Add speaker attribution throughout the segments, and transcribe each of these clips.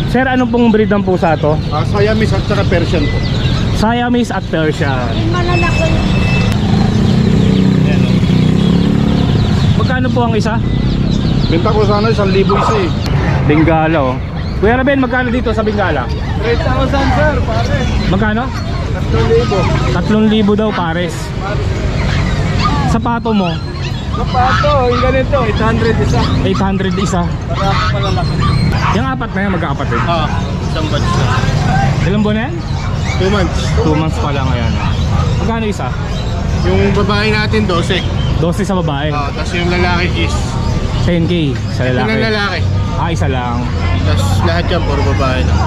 Speaker 1: Sir, anong pong breed ng pusa to?
Speaker 2: Siamese at saka Persian po.
Speaker 1: Siamese at Persian.
Speaker 3: Malalaki.
Speaker 1: Ayan, oh. Magkano po ang isa?
Speaker 2: Benta ko sana 1,000 isa eh.
Speaker 1: Bengala, oh. Kuya Raben, magkano dito sa Bengala?
Speaker 2: 3,000 sir, pare.
Speaker 1: Magkano?
Speaker 2: 3,000.
Speaker 1: 3,000 daw pares. Sapato mo?
Speaker 2: Sapato, yung ganito, 800 isa.
Speaker 1: 800 isa.
Speaker 2: Para malalaki.
Speaker 1: Yung apat na yan, magkakapatid.
Speaker 2: Isang batch na.
Speaker 1: Ilang buwan na yan?
Speaker 2: 2 months.
Speaker 1: 2 months pa lang, ayan. Magkano isa?
Speaker 2: Yung babae natin 12.
Speaker 1: 12 sa babae.
Speaker 2: Tapos yung lalaki is
Speaker 1: 10K sa lalaki.
Speaker 2: yung lalaki.
Speaker 1: Isa lang.
Speaker 2: Tapos lahat yan puro babae na.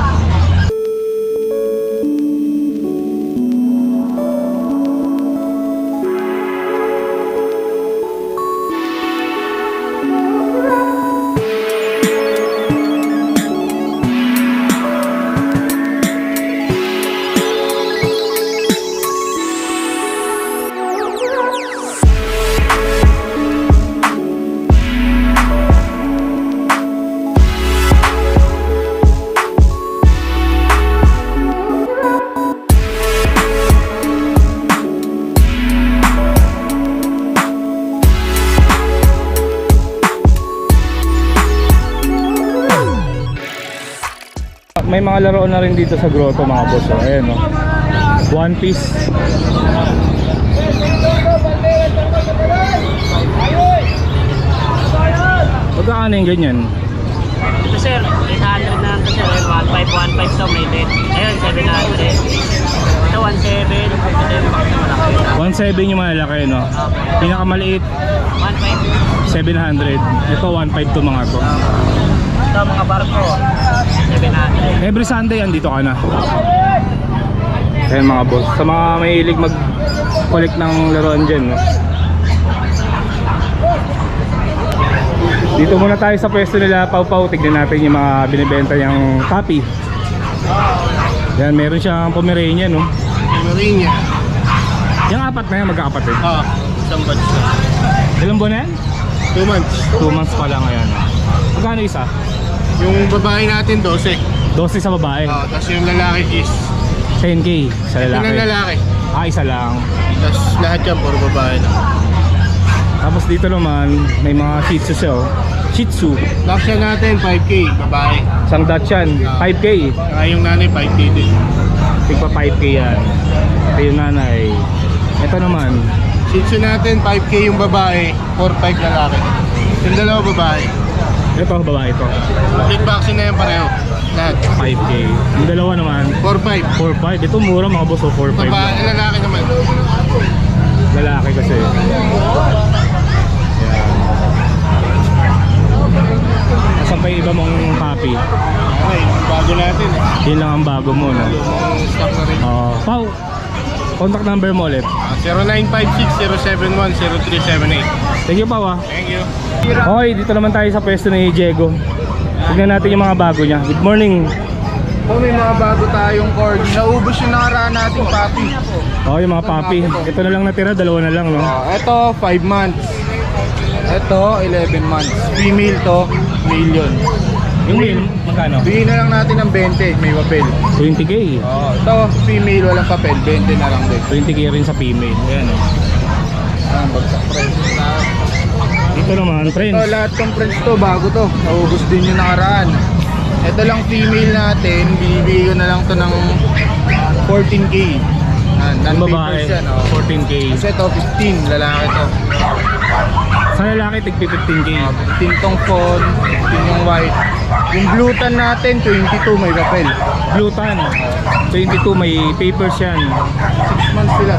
Speaker 1: May mga laruan na rin dito sa grotto mga boss. Oh. Ayan, oh. One Piece. Magkano yung ganyan?
Speaker 4: Ito sir, 800 na ito sir, 1515 so may net. Ayun, 700. Ito 17, ito yung box na malaki.
Speaker 1: 1.7 yung malalaki, no? Pinakamaliit
Speaker 4: 15.
Speaker 1: 700. Ito 1.5 to mga to.
Speaker 4: Ito mga barko, 700.
Speaker 1: Every Sunday andito ka na. Ayan mga boss. Sa mga mahilig mag-collect ng laruan dyan, no? Dito muna tayo sa pwesto nila Pau Pau. Tignan natin yung mga binibenta niyang puppy. Yan, meron siyang Pomeranian, no?
Speaker 2: Pomeranian.
Speaker 1: Yung apat na yan, magkakapatid.
Speaker 2: Isang batch na.
Speaker 1: Ilang buwan na yan?
Speaker 2: 2 months.
Speaker 1: 2 months pa lang, ayan. Magkano isa?
Speaker 2: Yung babae natin 12.
Speaker 1: 12 sa babae.
Speaker 2: Tapos yung lalaki is
Speaker 1: 10K sa lalaki.
Speaker 2: yung lalaki.
Speaker 1: Isa lang.
Speaker 2: Tapos lahat yan puro babae na.
Speaker 1: Tapos dito naman, may mga Shih Tzu siya, oh. Shih Tzu.
Speaker 2: Laksya natin 5K, babae.
Speaker 1: Isang Dachshund, 5K.
Speaker 2: Saka yung nanay 5K din.
Speaker 1: Tigpa 5K yan. Ito yung nanay. Ito naman,
Speaker 2: Shih Tzu natin 5K yung babae, 4-5 lalaki. Yung dalawa babae.
Speaker 1: ito babae ito.
Speaker 2: Complete vaccine na yan pareho. Lahat.
Speaker 1: 5K. Yung dalawa naman,
Speaker 2: 4-5.
Speaker 1: 4-5. Ito mura mga boss, 4-5.
Speaker 2: Babae, lalaki naman.
Speaker 1: Lalaki kasi. Yan. Asan pa yung iba mong puppy?
Speaker 2: Okay, bago natin eh.
Speaker 1: Yun lang ang bago mo, no?
Speaker 2: Lumang stock na rin.
Speaker 1: Pau, contact number mo ulit.
Speaker 2: 0956-071-0378.
Speaker 1: Thank you, Pau, ah.
Speaker 2: Thank you.
Speaker 1: Okay, dito naman tayo sa pwesto ni Diego. Tignan natin yung mga bago niya. Good morning.
Speaker 2: So may mga bago tayong corgi. Naubos yung nakaraan nating puppy.
Speaker 1: Oh, yung mga puppy. Ito na lang natira, dalawa na lang, no?
Speaker 2: Ito 5 months. Ito 11 months. Female to, male yun.
Speaker 1: Yung male, magkano?
Speaker 2: Bigyan na lang natin ng 20, may papel.
Speaker 1: 20K.
Speaker 2: Ito female, walang papel, 20 na lang din.
Speaker 1: 20K rin sa female. Ayan, oh.
Speaker 2: Bagsak price na.
Speaker 1: Dito naman, friends.
Speaker 2: Ito lahat ng friends to, bago to. Naubos din yung nakaraan. Ito lang female natin, binibigay ko na lang to ng 14K.
Speaker 1: Yung babae, 14K.
Speaker 2: Kasi ito 15, lalaki to.
Speaker 1: Sa lalaki, tig 15K.
Speaker 2: 15 tong phone, 15 yung white. Yung blue tan natin, 22 may papel.
Speaker 1: Blue tan, 22, may papers yan.
Speaker 2: 6 months sila.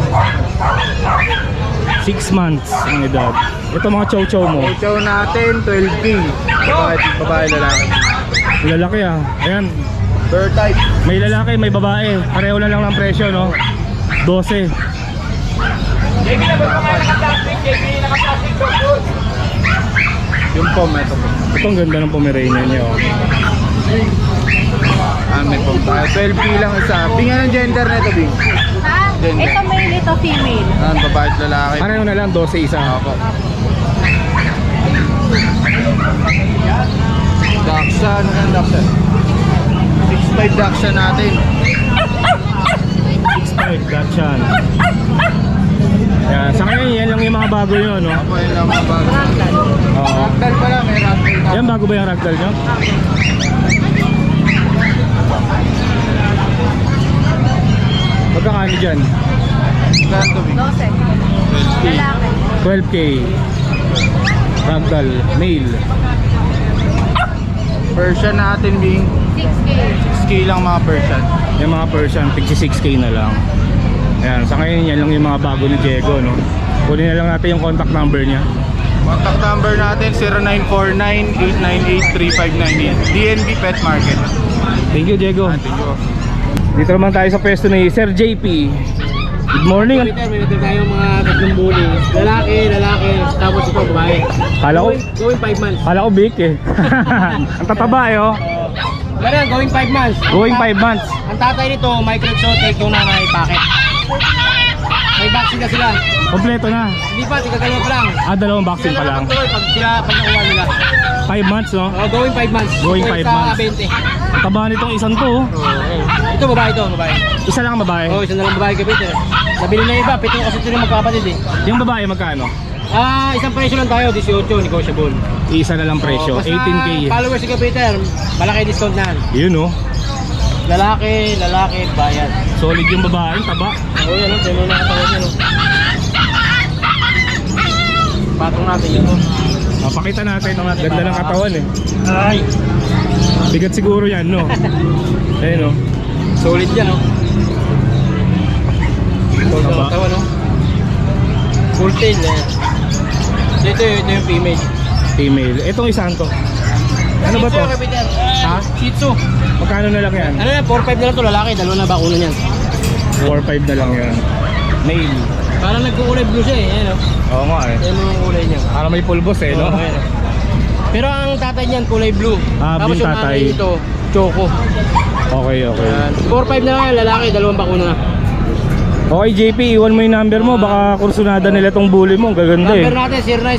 Speaker 1: 6 months ang edad. Ito mga chow-chow mo.
Speaker 2: Chow natin, 12K. Babae, lalaki.
Speaker 1: Lalaki, ah. Ayan,
Speaker 2: Bird type.
Speaker 1: may lalaki, may babae. Pareho na lang ng presyo, no? 12.
Speaker 2: Yung pom, ito po.
Speaker 1: Ito ang ganda ng Pomeranian niya, oh.
Speaker 2: May pom tayo. 12K lang isa. Bingan ang gender na ito, Bing.
Speaker 3: Ha?
Speaker 2: Gender.
Speaker 3: Ito male, ito female.
Speaker 2: Babae at lalaki.
Speaker 1: Pareho na lang, 12 isa.
Speaker 2: Opo. Daksa, ano yan, Daksa? 6'5 Dachshund natin.
Speaker 1: 6'5 Dachshund. Yan, sa ngayon yan lang yung mga bago yun, no?
Speaker 2: Ako yun lang mga bago.
Speaker 1: Oo.
Speaker 2: Ragdoll pala, may ragdoll na.
Speaker 1: Yan, bago ba yung ragdoll nyo? Magkakano dyan?
Speaker 2: Saan to, Bing?
Speaker 3: 12. Lalaki.
Speaker 1: 12K. Ragdoll, male.
Speaker 2: Persian natin, Bing.
Speaker 3: 6K.
Speaker 2: 6K lang mga Persian.
Speaker 1: Yung mga Persian, 56K na lang. Ayan, sa ngayon yan lang yung mga bago ni Diego, no? Kunin na lang natin yung contact number niya.
Speaker 2: Contact number natin 0949-898-3598. DNB Pet Market.
Speaker 1: Thank you, Diego. Dito naman tayo sa pwesto ni Sir JP. Good morning.
Speaker 4: Meron tayong mga tatlong bully. Lalaki, tapos ito babae. Going 5 months.
Speaker 1: Kala ko big eh. Ang tataba eh, oh.
Speaker 4: Ganun, going 5 months.
Speaker 1: Going 5 months.
Speaker 4: Ang tatay nito, micro exotic, yung nanay, packet. May vaccine na sila.
Speaker 1: Kompleto na.
Speaker 4: Hindi pa, tigagalaw pa lang.
Speaker 1: Dalawang vaccine pa lang.
Speaker 4: Pag nakuha nila.
Speaker 1: 5 months, no?
Speaker 4: Going 5 months.
Speaker 1: Going 5 months.
Speaker 4: Sa 20.
Speaker 1: Taba nitong isang to, oh.
Speaker 4: Ito, babae ito, babae.
Speaker 1: Isa lang ang babae.
Speaker 4: Isa na lang babae kay Peter. Nabili na iba, 7 kasi ito yung magkapatid eh.
Speaker 1: Yung babae magkano?
Speaker 4: Isang presyo lang tayo, 18, negotiable.
Speaker 1: Isa na lang presyo,
Speaker 4: Basta
Speaker 1: 18K.
Speaker 4: followers si Peter, malaki discount na.
Speaker 1: Yun, oh.
Speaker 4: Lalaki, bayad.
Speaker 1: Solid yung babae, taba.
Speaker 4: Oo, yan o, tayo mo nakatawad yan o. Patong natin yun o.
Speaker 1: Mapakita natin. Ganda ng katawan, eh.
Speaker 4: Ay!
Speaker 1: Bigat siguro yan, no? Ayun, oh.
Speaker 4: Solid yan o. Solid
Speaker 1: Taba.
Speaker 4: ang katawan o. Full tail eh. Ito yung female.
Speaker 1: Female. Itong isang to. Ano ba to?
Speaker 4: Shih Tzu, Peter.
Speaker 1: Ha?
Speaker 4: Shih Tzu.
Speaker 1: Magkano na lang yan?
Speaker 4: Ano yan, 4-5 na lang to lalaki, dalawa na bakuna niyan.
Speaker 1: 4-5 na lang yan. Male.
Speaker 4: Parang nagkukulay blue siya eh, ayan o.
Speaker 1: Oo nga, eh.
Speaker 4: Ayan yung kulay niya.
Speaker 1: Para may pulbos, eh, no?
Speaker 4: Oo, ayan o. Pero ang tatay niyan kulay blue.
Speaker 1: Ah,
Speaker 4: Tapos
Speaker 1: blue
Speaker 4: yung
Speaker 1: tatay.
Speaker 4: nanay ito, choco.
Speaker 1: Okay, okay.
Speaker 4: Ayan. 4-5 na lang yan, lalaki, dalawang bakuna na.
Speaker 1: Okay, JP, iwan mo yung number mo. Baka kursunada nila tong bully mo. Ang gaganda, eh.
Speaker 4: Number natin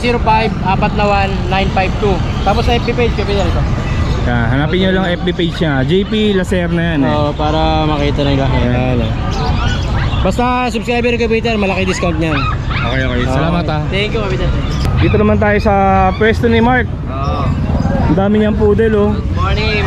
Speaker 4: 0905-491-952. Tapos sa FB page, Peter ito.
Speaker 1: Yan, hanapin nyo lang FB page niya. JP Lacerna yan, eh.
Speaker 4: Oo, para makita na nila.
Speaker 1: Ayan, eh.
Speaker 4: Basta subscriber kay Peter, malaki discount niyan.
Speaker 1: Okay, okay. Salamat, ah.
Speaker 4: Thank you, Peter.
Speaker 1: Dito naman tayo sa pwesto ni Mark. Ang dami niyang poodle, oh.
Speaker 5: Good morning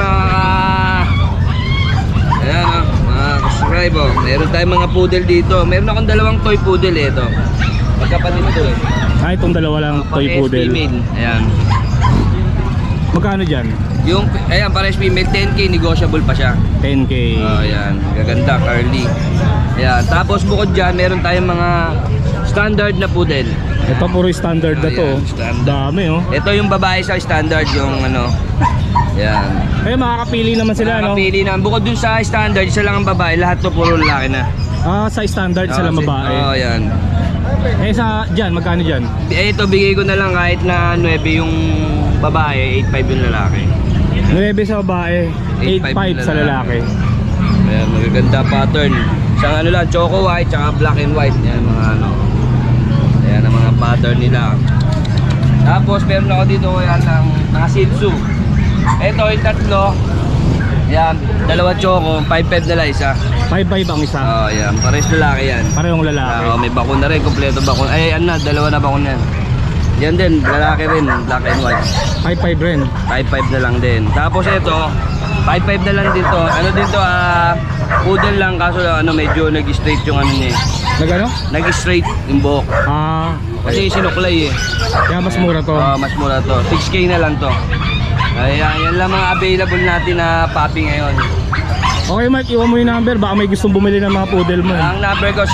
Speaker 5: ayan mga subscriber. Meron tayong mga poodle dito. Meron akong dalawang toy poodle ito. Magkapatid ito eh.
Speaker 1: Ah, itong dalawa lang toy
Speaker 5: Pares
Speaker 1: poodle.
Speaker 5: female. Ayan.
Speaker 1: Magkano dyan?
Speaker 5: Yung ayan pares female 10k negotiable pa siya.
Speaker 1: 10K.
Speaker 5: Oh, ayan. Gaganda, curly. Ayan. Tapos bukod dyan, meron tayong mga standard na poodle.
Speaker 1: Ito puro standard na to.
Speaker 5: Ayan,
Speaker 1: oh.
Speaker 5: standard.
Speaker 1: Dami, oh.
Speaker 5: Ito yung babae sa standard, yung ano. Ayan.
Speaker 1: Eh, makakapili naman sila, no?
Speaker 5: Nakapili na. Bukod dun sa standard, isa lang ang babae. Lahat to puro lalaki na.
Speaker 1: Ah, sa standard sila babae.
Speaker 5: Oh, ayan.
Speaker 1: Eh, sa dyan, magkano dyan?
Speaker 5: Eh, ito bigay ko na lang kahit na 9 yung babae, 8.5 yung lalaki.
Speaker 1: 9 sa babae, 8.5 sa lalaki.
Speaker 5: Ayan, magaganda pattern. Isang ano lang, choco white, tsaka black and white. Yan mga ano. Ayan ang mga pattern nila. Tapos meron ako dito yan ng mga Shih Tzu. Ito yung tatlo. Yan, dalawa choco, 5.5 na lang isa.
Speaker 1: 5.5 ang isa.
Speaker 5: Oh, yan, pares lalaki yan.
Speaker 1: Parehong lalaki.
Speaker 5: May bakuna rin, kompleto bakuna. Ay, ano na, dalawa na bakuna yan. Yan din, lalaki rin, black and white.
Speaker 1: 5.5 rin.
Speaker 5: 5.5 na lang din. Tapos ito, 5.5 na lang din to. Ano din to, poodle lang kaso ano medyo nag-straight yung ano niya.
Speaker 1: Nagano?
Speaker 5: Nag-straight yung buhok.
Speaker 1: Ah,
Speaker 5: Kasi sinuklay eh.
Speaker 1: kaya mas mura to.
Speaker 5: Mas mura to. 6k na lang to. Kaya yan lang mga available natin na puppy ngayon.
Speaker 1: Okay, Mark, iwan mo yung number. Baka may gustong bumili ng mga poodle mo.
Speaker 5: Ang number ko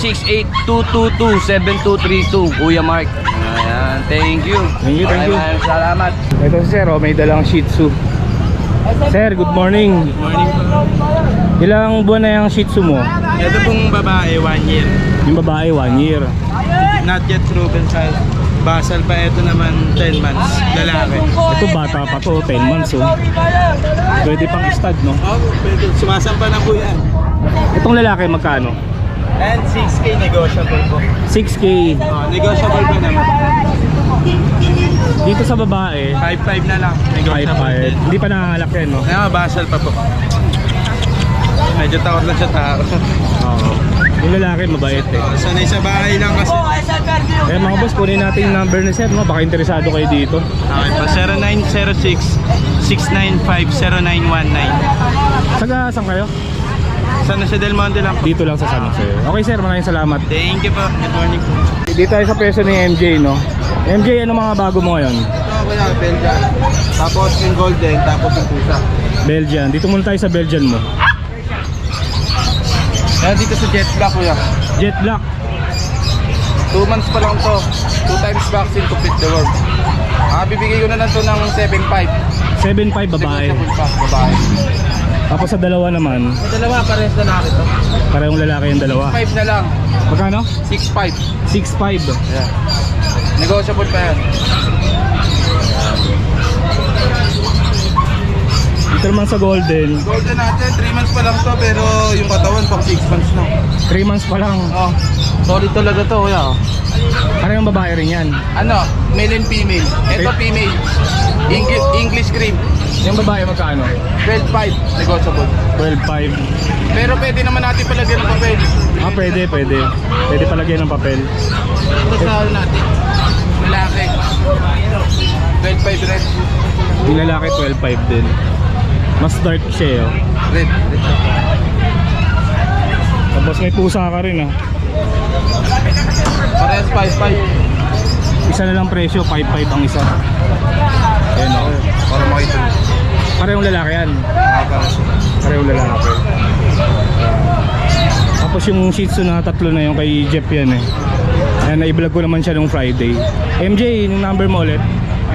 Speaker 5: 0968-222-7232. Kuya Mark. Ayan, thank you.
Speaker 1: Thank you, thank you.
Speaker 5: Maraming salamat.
Speaker 1: Ito si Sir, oh, may dalang Shih Tzu. Sir, good morning.
Speaker 2: Good morning po.
Speaker 1: Ilang buwan na yung Shih Tzu mo?
Speaker 2: Ito pong babae, 1 year.
Speaker 1: Yung babae, 1 year.
Speaker 2: Not yet proven size. Basal pa, ito naman 10 months. Lalaki.
Speaker 1: Ito bata pa to, 10 months, oh. Pwede pang stud, no?
Speaker 2: Oh, pwede. Sumasampa na po yan.
Speaker 1: Itong lalaki, magkano?
Speaker 2: And 6k negotiable po.
Speaker 1: 6K.
Speaker 2: Negotiable pa naman.
Speaker 1: Dito sa babae,
Speaker 2: 5.5 na lang. Negotiable
Speaker 1: 5.5.
Speaker 2: din.
Speaker 1: Hindi pa nangangalak yan, no?
Speaker 2: Kaya basal pa po. Medyo takot lang sa tao.
Speaker 1: Oo. Yung lalaki, mabait eh.
Speaker 2: Sanay sa bahay lang kasi.
Speaker 1: Eh mga boss, kunin natin yung number ni sir, no? Baka interesado kayo dito.
Speaker 2: Okay pa, 0906-6955-0919.
Speaker 1: Saan kayo?
Speaker 2: Sana sa Del Monte lang po.
Speaker 1: Dito lang sa San Jose. Okay sir, maraming salamat.
Speaker 2: Thank you po. Good morning po.
Speaker 1: Dito tayo sa peso ni MJ, no? MJ, ano mga bago mo ngayon?
Speaker 2: Ito kuya, Belgian. Tapos yung golden, tapos yung pusa.
Speaker 1: Belgian. Dito muna tayo sa Belgian mo.
Speaker 2: Kaya dito sa Jet Black kuya.
Speaker 1: Jet Black.
Speaker 2: 2 months pa lang to. 2 times vaccine to fit the world. Bibigay ko na lang to ng 7.5.
Speaker 1: 7.5 babae.
Speaker 2: Negotiable pa, babae.
Speaker 1: Tapos sa dalawa naman,
Speaker 2: Sa dalawa, parehas na natin to.
Speaker 1: parehong lalaki yung dalawa.
Speaker 2: 5 na lang.
Speaker 1: Magkano?
Speaker 2: 6.5.
Speaker 1: 6.5.
Speaker 2: Yeah. Negotiable pa yan.
Speaker 1: Dito naman sa Golden,
Speaker 2: Golden natin, 3 months pa lang to, pero yung katawan pang 6 months na.
Speaker 1: 3 months pa lang.
Speaker 2: Oh, solid talaga to, kuya. Oh.
Speaker 1: Parehong babae rin yan.
Speaker 2: Ano, male and female. Ito female. English cream.
Speaker 1: Yung babae magkano?
Speaker 2: 12.5, negotiable.
Speaker 1: 12.5.
Speaker 2: Pero pwede naman natin palagyan ng papel.
Speaker 1: Pwede. Pwede palagyan ng papel.
Speaker 2: Ito sa natin. Lalaki. 12.5 red.
Speaker 1: Yung lalaki 12.5 din. Mas dark siya, oh.
Speaker 2: Red.
Speaker 1: Tapos may pusa ka rin, ah.
Speaker 2: Parehas 5.5.
Speaker 1: Isa na lang presyo, 5.5 ang isa. Ayan, oh.
Speaker 2: Para makita.
Speaker 1: Parehong lalaki yan.
Speaker 2: Parehas.
Speaker 1: Parehong lalaki. Tapos yung Shih Tzu na tatlo na yung kay Jeff yan eh. Ayan, na-vlog ko naman siya nung Friday. MJ, yung number mo ulit?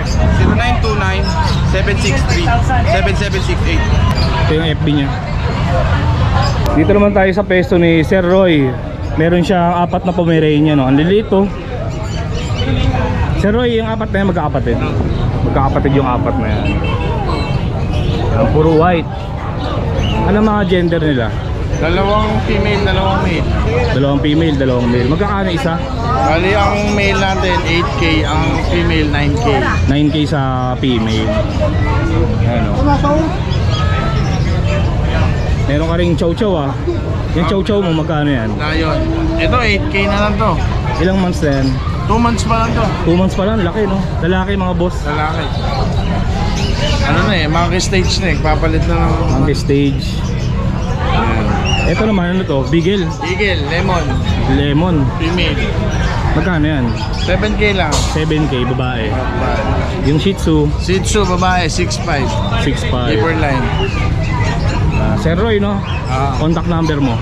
Speaker 2: 0929-763-7768.
Speaker 1: Ito yung FB niya. Dito naman tayo sa pesto ni Sir Roy. Meron siyang 4 na Pomeranian, no? Ang liliit, oh. Sir Roy, yung 4 na yan magkakapatid. Magkakapatid yung 4 na yan. Ang puro white. Ano mga gender nila?
Speaker 2: Dalawang female, dalawang male.
Speaker 1: Dalawang female, dalawang male. Magkakano isa?
Speaker 2: Bali ang male natin 8K, ang female 9K.
Speaker 1: 9K sa female. Ayan, oh. Meron ka ring chow chow, ah. Yung chow chow mo magkano yan?
Speaker 2: Lion. Ito 8K na lang to.
Speaker 1: Ilang months na yan?
Speaker 2: 2 months pa lang to.
Speaker 1: 2 months pa lang, laki no? Lalaki mga boss.
Speaker 2: Lalaki. Ano na eh, monkey stage na eh. Papalit na ng
Speaker 1: Monkey stage. Ito naman ano to? Beagle.
Speaker 2: Eagle, lemon,
Speaker 1: Lemon.
Speaker 2: female.
Speaker 1: Magkano yan?
Speaker 2: 7K lang.
Speaker 1: 7K babae. Yung Shih Tzu
Speaker 2: Shih Tzu, babae, 6'5".
Speaker 1: 6.5.
Speaker 2: Paper line.
Speaker 1: Sir Roy no?
Speaker 2: Ah.
Speaker 1: Contact number mo.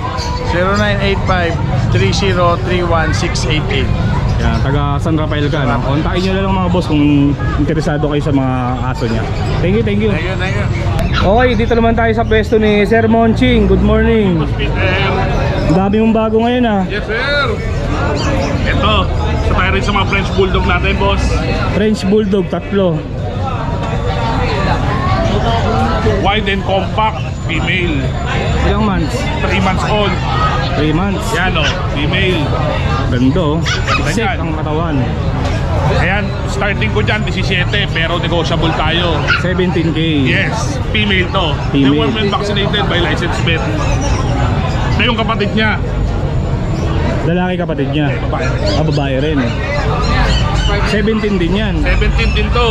Speaker 2: 0985-3031-688.
Speaker 1: Yan, taga San Rafael ka no? Kontakin nyo na lang mga boss kung interesado kayo sa mga aso niya. Thank you, thank you.
Speaker 2: Thank you, thank you.
Speaker 1: Okay, dito naman tayo sa pwesto ni Sir Monching. Good morning. Ang dami mong bago ngayon ah.
Speaker 6: Yes, sir! Ito, sa tayo rin sa mga French Bulldog natin, boss.
Speaker 1: French Bulldog, 3.
Speaker 6: Wide and compact, female.
Speaker 1: Ilang months?
Speaker 6: 3 months old.
Speaker 1: 3 months.
Speaker 6: Yan o, female.
Speaker 1: Ganda oh.
Speaker 6: Ganda
Speaker 1: Set
Speaker 6: yan.
Speaker 1: ang katawan.
Speaker 6: Ayan, starting ko dyan, 17, pero negotiable tayo.
Speaker 1: 17K.
Speaker 6: Yes, female to.
Speaker 1: Female.
Speaker 6: The woman vaccinated by licensed vet. Ito yung kapatid niya.
Speaker 1: Lalaki kapatid niya.
Speaker 6: Babae.
Speaker 1: Babae rin eh. 17 din yan.
Speaker 6: 17 din to.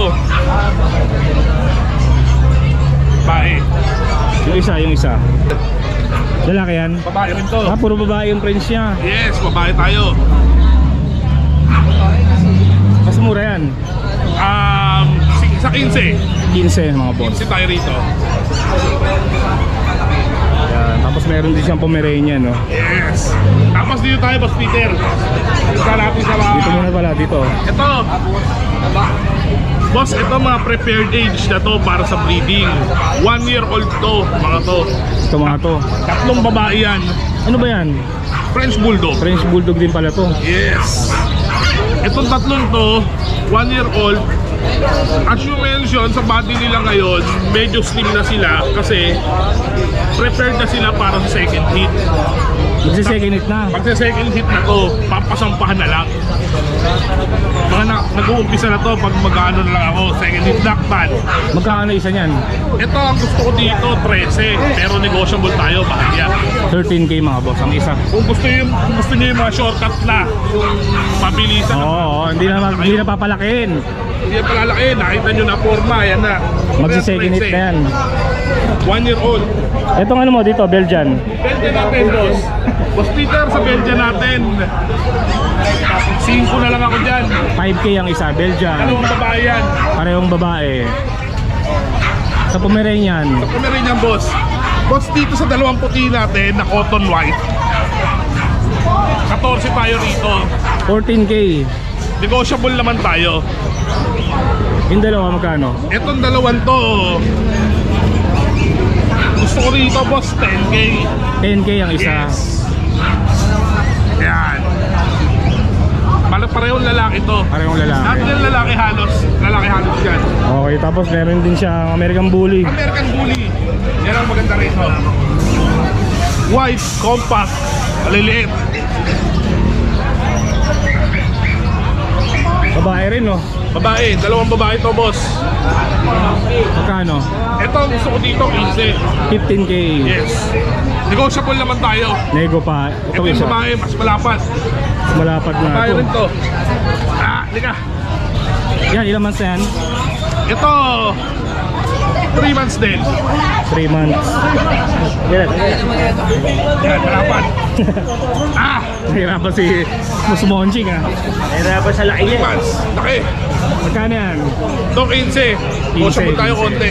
Speaker 6: Bae.
Speaker 1: Yung isa. Lalaki yan.
Speaker 6: Babae rin to.
Speaker 1: Puro babae yung French niya.
Speaker 6: Yes, babae tayo.
Speaker 1: Mas mura yan.
Speaker 6: Sa 15.
Speaker 1: 15 mga boss.
Speaker 6: 15 tayo rito.
Speaker 1: Yan. Tapos meron din siyang Pomeranian no.
Speaker 6: Yes. Tapos dito tayo, Boss Peter. Dito natin sa mga...
Speaker 1: Dito muna pala dito.
Speaker 6: Ito. Boss, ito mga prepared age na to para sa breeding. 1 year old to, mga to.
Speaker 1: Ito mga to.
Speaker 6: 3 babae yan.
Speaker 1: Ano ba yan?
Speaker 6: French Bulldog.
Speaker 1: French Bulldog din pala to.
Speaker 6: Yes. Itong 3 to, 1 year old, As you mentioned, sa body nila ngayon, medyo slim na sila kasi prepared na sila para sa second hit.
Speaker 1: Magsi-second hit na.
Speaker 6: Pag sa second hit na to, papasampahan na lang. Mga nag-uumpisa na to pag mag-ano na lang ako, second hit dakpan.
Speaker 1: Magkano isa niyan?
Speaker 6: Ito ang gusto ko dito, 13. Pero negotiable tayo, bahaya.
Speaker 1: 13K mga boss, ang isa.
Speaker 6: Kung gusto niyo yung mga shortcut na, yung mabilisan
Speaker 1: Oo, hindi na papalakihin.
Speaker 6: Hindi yan palalaki, nakita nyo na forma, yan na.
Speaker 1: Magsi-second hit na yan.
Speaker 6: 1 year old.
Speaker 1: Itong ano mo dito, Belgian.
Speaker 6: Belgian natin, boss. Boss Peter, sa Belgian natin. 5 na lang ako dyan.
Speaker 1: 5K ang isa, Belgian.
Speaker 6: Anong babae yan?
Speaker 1: Parehong babae. Sa Pomeranian,
Speaker 6: Sa Pomeranian, boss. Boss, dito sa dalawang puti natin na cotton white. 14 tayo rito.
Speaker 1: 14K.
Speaker 6: Negotiable naman tayo.
Speaker 1: Yung dalawa magkano?
Speaker 6: Etong dalawang to, gusto ko rito, boss, 10K.
Speaker 1: 10K ang isa.
Speaker 6: Yes. Yan. Parehong lalaki to.
Speaker 1: Parehong
Speaker 6: Lahat
Speaker 1: lalaki.
Speaker 6: ng lalaki halos yan.
Speaker 1: Okay, tapos meron din siyang American Bully.
Speaker 6: American Bully. Yan ang maganda rito. White, compact, maliliit.
Speaker 1: Babae rin, no?
Speaker 6: Babae, dalawang babae to, boss.
Speaker 1: Magkano?
Speaker 6: Ito ang gusto ko dito, 15.
Speaker 1: 15K.
Speaker 6: Yes. Negotiable naman tayo.
Speaker 1: Nego pa.
Speaker 6: Ito
Speaker 1: Ito
Speaker 6: yung
Speaker 1: isa.
Speaker 6: babae, mas malapad.
Speaker 1: Malapad na
Speaker 6: Babae
Speaker 1: ito.
Speaker 6: rin to. Halika.
Speaker 1: Yan, ilang months na yan?
Speaker 6: Ito, 3 months din.
Speaker 1: 3 months. Yan.
Speaker 6: Yan, malapad.
Speaker 1: Nahirapan si Musmonching, ha? Nahirapan sa laki
Speaker 6: 3 months. Laki.
Speaker 1: Magkano yan?
Speaker 6: Ito, 15. Negotiable tayo
Speaker 1: 15.
Speaker 6: konti.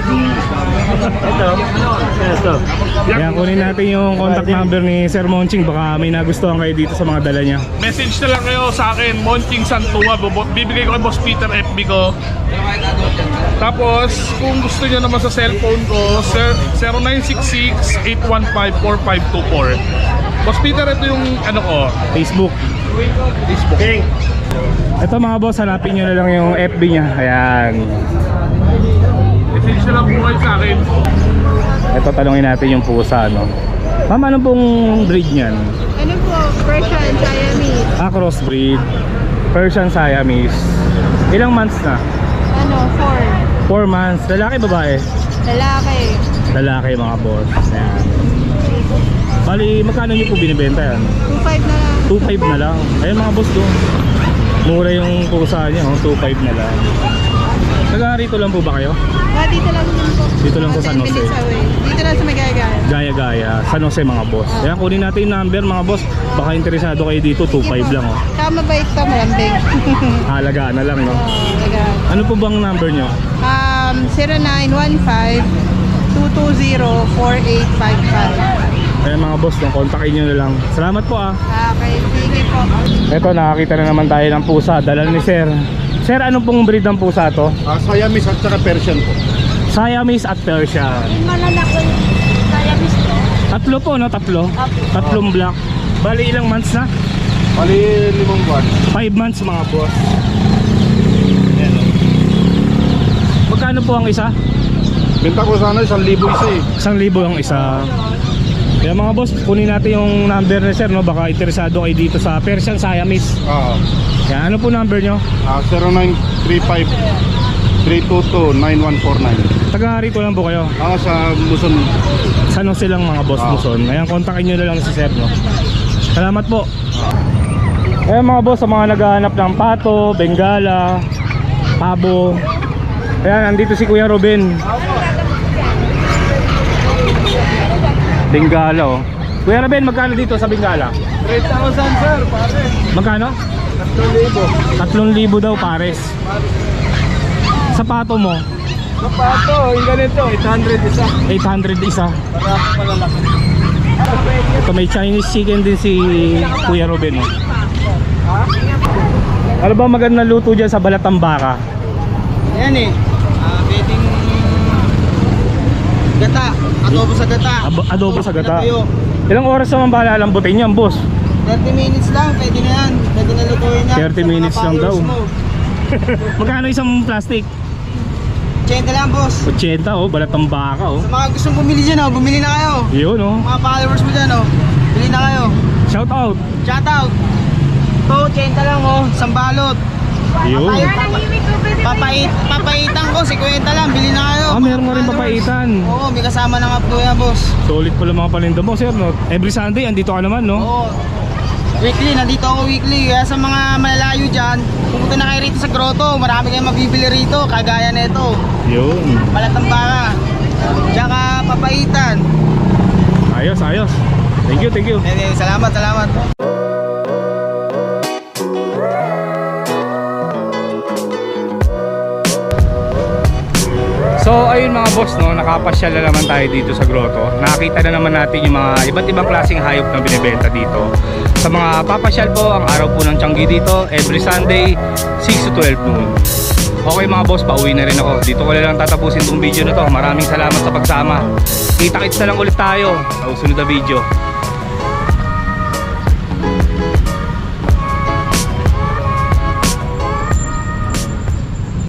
Speaker 1: Ito. Yan, kunin natin yung contact number ni Sir Monching. Baka may nagustuhan kayo dito sa mga dala niya.
Speaker 6: Message na lang kayo sa akin, Monching Santua. Bibigay ko kay Boss Peter FB ko. Tapos, kung gusto niyo naman sa cellphone ko, 0966-815-4524. Boss Peter, ito yung ano ko,
Speaker 1: Facebook.
Speaker 6: Facebook.
Speaker 1: Ito mga boss, hanapin nyo na lang yung FB niya. Ayan.
Speaker 6: Message na lang po kayo sa akin.
Speaker 1: Ito, talungin natin yung pusa, no? Ma'am, ano pong breed niyan?
Speaker 3: Ano po? Persian, Siamese.
Speaker 1: Crossbreed. Persian Siamese. Ilang months na?
Speaker 3: Ano?
Speaker 1: 4 months. Lalaki, babae?
Speaker 3: 4. Lalaki.
Speaker 1: Lalaki mga boss. Ayan. Bali, magkano nyo po binibenta yan?
Speaker 3: 2.5 na lang.
Speaker 1: 2.5 na lang. Ayun mga boss doon. Mura yung pusa niya, oh. 2.5 na lang. Taga-rito lang po ba kayo?
Speaker 3: Dito lang din po.
Speaker 1: Dito lang sa San
Speaker 3: 10
Speaker 1: Jose.
Speaker 3: minutes away. Dito lang sa Magagaya.
Speaker 1: Gaya-gaya. San Jose mga boss. Ayan, kunin natin yung number mga boss. Baka interesado kayo dito, 2.5 lang, oh.
Speaker 3: Tsaka mabait to, malambing.
Speaker 1: Halagaan na lang, no?
Speaker 3: Talaga.
Speaker 1: Ano po bang number nyo?
Speaker 3: 0915-220-4855.
Speaker 1: Ayan mga boss, no? Kontakin nyo na lang. Salamat po, ah.
Speaker 3: Okay, sige po.
Speaker 1: Ito, nakakita na naman tayo ng pusa. Dala ni Sir. Sir, ano pong breed ng pusa to?
Speaker 2: Siamese at saka Persian po.
Speaker 1: Siamese at Persian.
Speaker 3: Malalaki Siamese to.
Speaker 1: Tatlo po, no? Tatlo? Tatlong black. Bali, ilang months na?
Speaker 2: Bali 5 buwan.
Speaker 1: 5 months mga boss. Ayan, oh. Magkano po ang isa?
Speaker 2: Benta ko sana 1,000 isa eh.
Speaker 1: 1,000 ang isa. Kaya mga boss, kunin natin yung number ni Sir, no? Baka interesado kayo dito sa Persian Siamese. Kaya ano po number nyo?
Speaker 2: 0935-322-9149.
Speaker 1: Taga rito lang po kayo.
Speaker 2: Sa Muson.
Speaker 1: San Jose lang mga boss, Luzon. Ayan, kontakin nyo na lang si Sir, no? Salamat po. Ayan mga boss, sa mga naghahanap ng pato, bengala, pabo. Ayan, nandito si Kuya Ruben. Bengala, oh. Kuya Ruben, magkano dito sa bengala?
Speaker 2: 3,000 sir, pare.
Speaker 1: Magkano? 3,000 daw pares. Sa pato mo?
Speaker 2: Sapato, yung ganito, 800 isa.
Speaker 1: 800 isa.
Speaker 2: Para malalaki.
Speaker 1: Ito, may Chinese chicken din si Kuya Ruben, oh. Ano ba magandang luto dyan sa balatang baka?
Speaker 2: Yan eh. Pwedeng gata. Adobo sa gata.
Speaker 1: Adobo sa gata. Ilang oras naman ba lalambutin yan, boss?
Speaker 2: 30 minutes lang, pwede na yan. Pwede na lutuin yan.
Speaker 1: 30 minutes lang daw. Magkano isang plastic?
Speaker 2: 80 lang, boss.
Speaker 1: 80 oh, balat ng baka oh.
Speaker 2: Sa mga gustong bumili dyan, bumili na kayo.
Speaker 1: Yun oh.
Speaker 2: Mga followers mo dyan, bili na kayo.
Speaker 1: Shout out.
Speaker 2: Shout out. Ito, 80 lang, isang balot.
Speaker 1: Yun.
Speaker 2: Papaitan ko, 50 lang, bili na kayo.
Speaker 1: Ah, meron nga rin papaitan.
Speaker 2: Oo, may kasama ng updo yan, boss.
Speaker 1: Solid pala mga paninda mo, sir, no? Every Sunday, andito ka naman, no?
Speaker 2: Oo. Weekly, nandito ako weekly. Kaya sa mga malalayo dyan, pumunta na kayo rito sa grotto. Marami kayong mabibili rito, kagaya nito.
Speaker 1: Yun.
Speaker 2: Balatang baka. Tsaka papaitan.
Speaker 1: Ayos, ayos. Thank you, thank you.
Speaker 2: Salamat, salamat.
Speaker 1: So ayun mga boss, no, nakapasyal na naman tayo dito sa grotto. Nakakita na naman natin yung mga iba't ibang klaseng hayop na binibenta dito. Sa mga papasyal po, ang araw po ng Tiangge dito, every Sunday, 6 to 12 noon. Okay mga boss, pauwi na rin ako. Dito ko na lang tatapusin itong video na to. Maraming salamat sa pagsama. Kita-kits na lang ulit tayo sa susunod na video.